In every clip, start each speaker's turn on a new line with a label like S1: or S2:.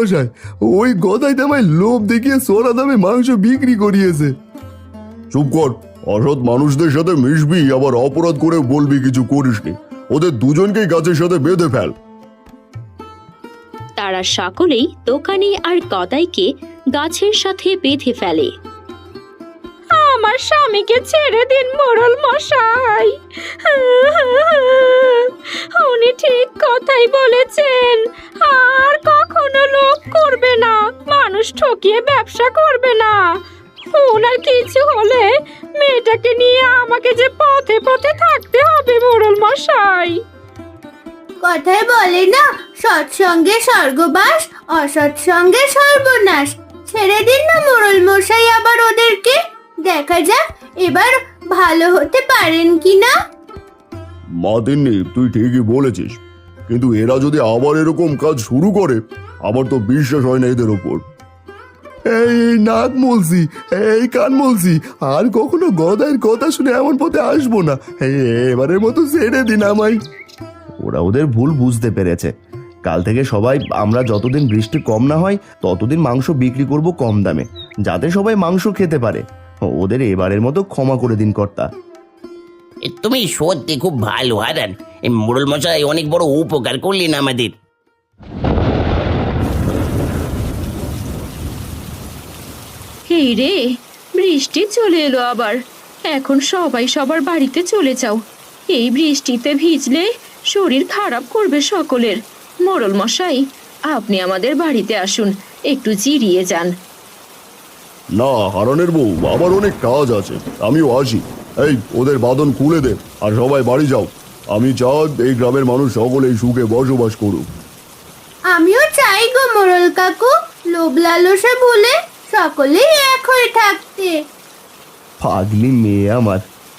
S1: মশাই, ওই গদাই আমায় লোভ দেখিয়ে সোনা দামে মাংস বিক্রি করিয়েছে। চুপ কর, অসৎ মানুষদের সাথে মিশবি আবার অপরাধ করে বলবি কিছু করিসনি। ওদের দুজনকেই গাছের সাথে বেঁধে ফেল।
S2: তারা সকলেই দোকানি আর গদাইকে গাছের সাথে বেঁধে ফেলে। আমার স্বামীকে ছেড়ে দিন মোড়ল মশাই, উনি ঠিক কথাই বলেছেন। আর কখনো লোভ করবে না, মানুষ ঠকিয়ে ব্যবসা করবে না। ওনার কিছু হলে মেয়েটাকে নিয়ে আমাকে যে পথে পথে থাকতে হবে মোড়ল মশাই।
S3: কথায় বলে না, সৎসঙ্গে স্বর্গবাস, অসৎসঙ্গে সর্বনাশ। ছেড়ে দিন না মোড়ল মশাই আবার ওদেরকে, দেখা যাক এবার ভালো হতে পারেন কিনা।
S1: মা তিন্নি, তুই ঠিকই বলেছিস, কিন্তু এরা যদি আবার এরকম কাজ শুরু করে, আমার তো বিশ্বাস হয় না এদের ওপর। এই নাক মলছি, এই কান মলছি, আর কখনো গদাইয়ের কথা শুনে এমন পথে আসবো না। এবারের মতো ছেড়ে দিন আমায়।
S4: ওরা ওদের ভুল বুঝতে পেরেছে। কাল থেকে সবাই আমরা যতদিন বৃষ্টি কম না হয় ততদিন মাংস বিক্রি করব কম দামে, যাতে সবাই মাংস খেতে পারে। ওদের এবারের মতো ক্ষমা করে দিন কর্তা।
S5: তুমি সত্যি খুব ভালো হারান, এই মোড়ল মশাই অনেক বড় উপকার করলেন আমাদের।
S2: এই রে, বৃষ্টি চলে এলো আবার। এখন সবাই সবার বাড়িতে চলে যাও। এই বৃষ্টিতে ভিজলে শরীর খারাপ করবে সকলের। মোড়ল মশাই, আপনি আমাদের বাড়িতে আসুন, একটু জিরিয়ে যান।
S1: না হারানের বউ, আমার অনেক কাজ আছে, আমিও আসি। এই ওদের বাঁধন খুলে দে আর সবাই বাড়ি যাও। আমি চাই এই গ্রামের মানুষ সকলেই সুখে বসবাস করুক।
S3: আমিও চাই গো মোড়ল কাকু, লোভ লালসা ভুলে সকলেই এক হয়ে থাকতে।
S4: পাগলি মেয়ে আমার।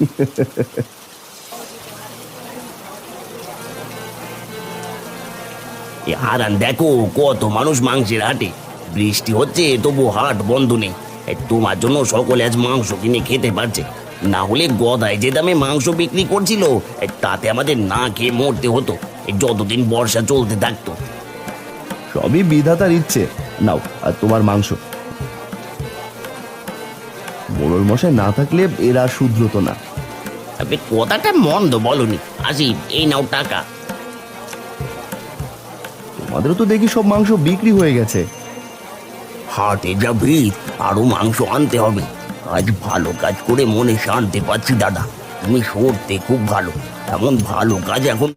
S5: হারান দেখো কত মানুষ মাংসের হাটে, বৃষ্টি হচ্ছে তবু হাট বন্ধ নেই। তোমার জন্য সকলে আজ মাংস কিনে খেতে পারছে, না হলে গদাই যে দামে মাংস বিক্রি করছিল তাতে আমাদের না খেয়ে মরতে হতো যতদিন বর্ষা চলতে থাকতো।
S4: সবই বিধাতার ইচ্ছে। নাও আর তোমার মাংস। মোড়ল মশাই না থাকলে এরা শুধরতো না।
S5: কথাটা মন্দ বলনি, আসি এই নাও টাকা।
S4: তোমাদেরও তো দেখি সব মাংস বিক্রি হয়ে গেছে।
S5: হাটে যা ভিড়, আরো মাংস আনতে হবে। আজ ভালো কাজ করে মনে শান্তি পাচ্ছি দাদা, তুমি সত্যি খুব ভালো। এমন ভালো কাজ এখন